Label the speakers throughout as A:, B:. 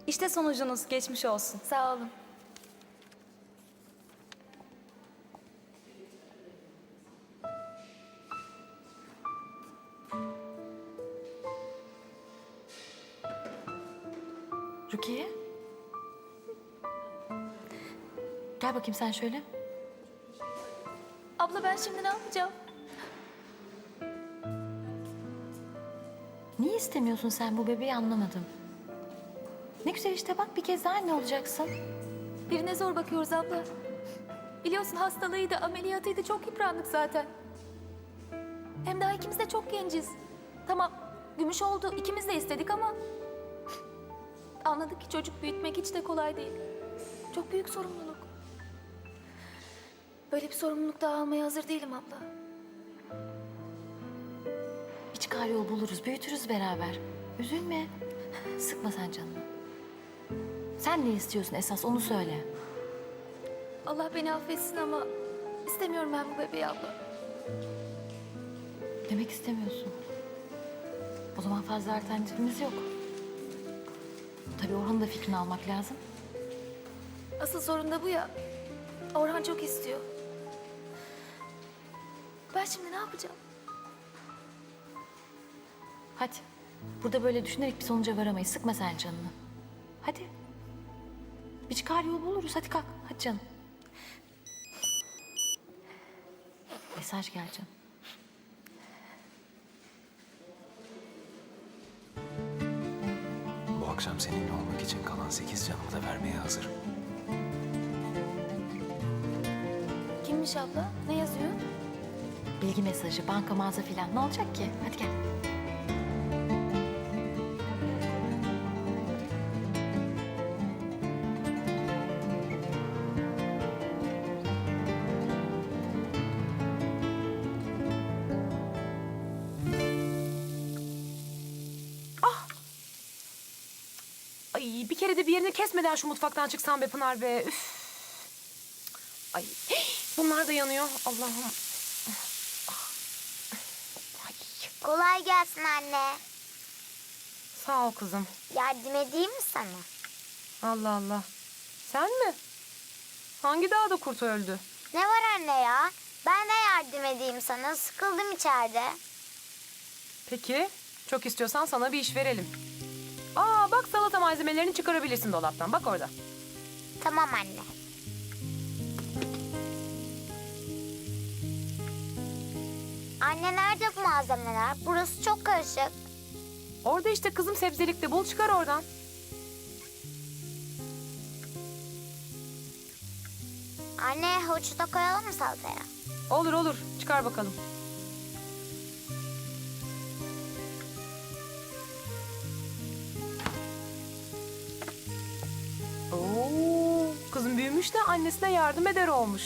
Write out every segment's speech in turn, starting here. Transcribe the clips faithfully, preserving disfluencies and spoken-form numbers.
A: İşte sonucunuz, geçmiş olsun.
B: Sağ olun.
C: Rukiye. Gel bakayım sen şöyle.
B: Abla ben şimdi ne yapacağım?
C: Niye istemiyorsun sen bu bebeği anlamadım. Ne güzel işte bak bir kez daha anne olacaksın.
B: Birine zor bakıyoruz abla. Biliyorsun hastalığıydı, ameliyatıydı. Çok yıprandık zaten. Hem daha ikimiz de çok genciz. Tamam, gümüş oldu. İkimiz de istedik ama... Anladık ki çocuk büyütmek hiç de kolay değil. Çok büyük sorumluluk. Böyle bir sorumluluk daha almaya hazır değilim abla.
C: Bir çıkar yol buluruz, büyütürüz beraber. Üzülme. Sıkma sen canını. Sen ne istiyorsun esas onu söyle.
B: Allah beni affetsin ama istemiyorum ben bu bebeği abla.
C: Demek istemiyorsun. O zaman fazla alternatifimiz yok. Tabii Orhan'ın da fikrini almak lazım.
B: Asıl sorun da bu ya. Orhan çok istiyor. Ben şimdi ne yapacağım?
C: Hadi. Burada böyle düşünerek bir sonuca varamayız. Sıkma sen canını. Hadi. Bir çıkar yol buluruz. Hadi kalk. Hadi canım. Mesaj gel canım.
D: Bu akşam seninle olmak için kalan sekiz canımı da vermeye hazırım.
B: Kimmiş abla? Ne yazıyor?
C: Bilgi mesajı, banka mağaza filan. Ne olacak ki? Hadi gel.
E: Ay bir kere de bir yerini kesmeden şu mutfaktan çıksan be Pınar be. Üf. Ay bunlar da yanıyor. Allah'ım. Ay,
F: Kolay gelsin anne.
E: sağ ol kızım.
F: Yardım edeyim mi sana?
E: Allah Allah. Sen mi? Hangi dağda kurt öldü?
F: Ne var anne ya? Ben de yardım edeyim sana. Sıkıldım içeride.
E: Peki. Çok istiyorsan sana bir iş verelim. Aa bak salata malzemelerini çıkarabilirsin dolaptan. Bak orada.
F: Tamam anne. Anne nerede bu malzemeler? Burası çok karışık.
E: Orada işte kızım sebzelikte. Bul çıkar oradan.
F: Anne havucu da koyalım mı salataya?
E: Olur olur. Çıkar bakalım. Oo, kızım büyümüş de annesine yardım eder olmuş.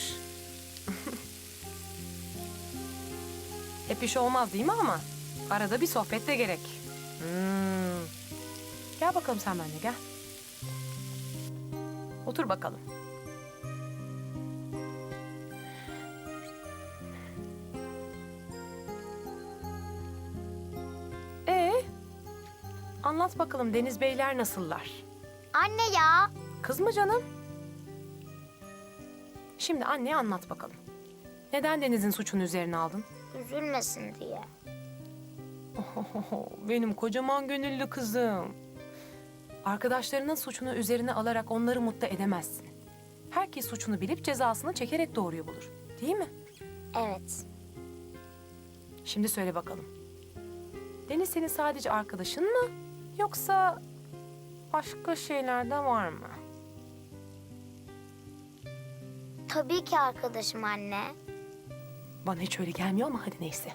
E: Hep iş olmaz değil mi ama? Arada bir sohbet de gerek. Hmm. Gel bakalım sen benimle gel. Otur bakalım. Ee, anlat bakalım Deniz Beyler nasıllar?
F: Anne ya.
E: Kız mı canım? Şimdi anneye anlat bakalım. Neden Deniz'in suçunu üzerine aldın?
F: Üzülmesin diye.
E: Ohohoho, benim kocaman gönüllü kızım. Arkadaşlarının suçunu üzerine alarak onları mutlu edemezsin. Herkes suçunu bilip cezasını çekerek doğruyu bulur. Değil mi?
F: Evet.
E: Şimdi söyle bakalım. Deniz senin sadece arkadaşın mı? Yoksa başka şeyler de var mı?
F: Tabii ki arkadaşım anne.
E: Bana hiç öyle gelmiyor ama hadi neyse.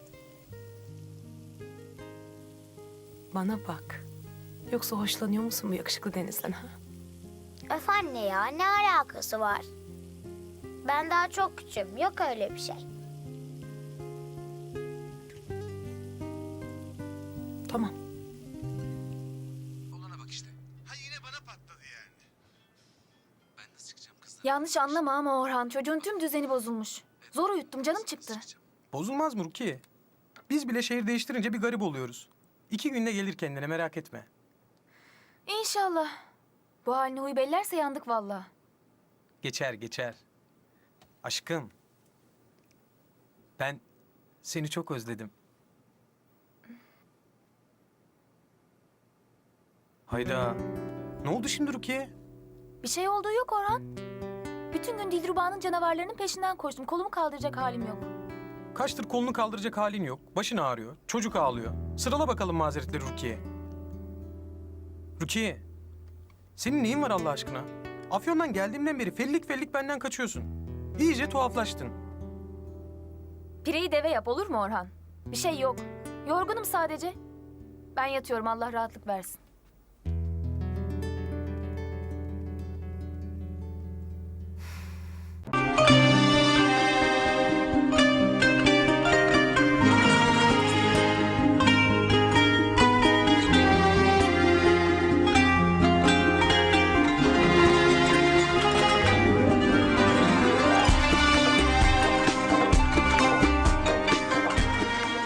E: Bana bak. Yoksa hoşlanıyor musun bu yakışıklı Deniz'den ha?
F: Öf anne ya ne alakası var? Ben daha çok küçüğüm. Yok öyle bir şey.
E: Tamam.
D: Olana bak işte. Ha yine bana patladı yani. Ben nasıl çıkacağım kızlar?
B: Yanlış anlama ama Orhan. Çocuğun tüm düzeni bozulmuş. Zor uyuttum. Canım çıktı.
G: Bozulmaz mı Rukiye? Biz bile şehir değiştirince bir garip oluyoruz. İki günde gelir kendine merak etme.
B: İnşallah. Bu haline huy bellerse yandık vallahi.
G: Geçer geçer. Aşkım. Ben seni çok özledim. Hayda. Ne oldu şimdi Rukiye?
B: Bir şey olduğu yok Orhan. Bütün gün Dilruba'nın canavarlarının peşinden koştum. Kolumu kaldıracak halim yok.
G: Kaçtır kolunu kaldıracak halin yok. Başın ağrıyor. Çocuk ağlıyor. Sırala bakalım mazeretleri Rukiye. Rukiye. Senin neyin var Allah aşkına? Afyon'dan geldiğimden beri fellik fellik benden kaçıyorsun. İyice tuhaflaştın.
B: Pireyi deve yap olur mu Orhan? Bir şey yok. Yorgunum sadece. Ben yatıyorum Allah rahatlık versin.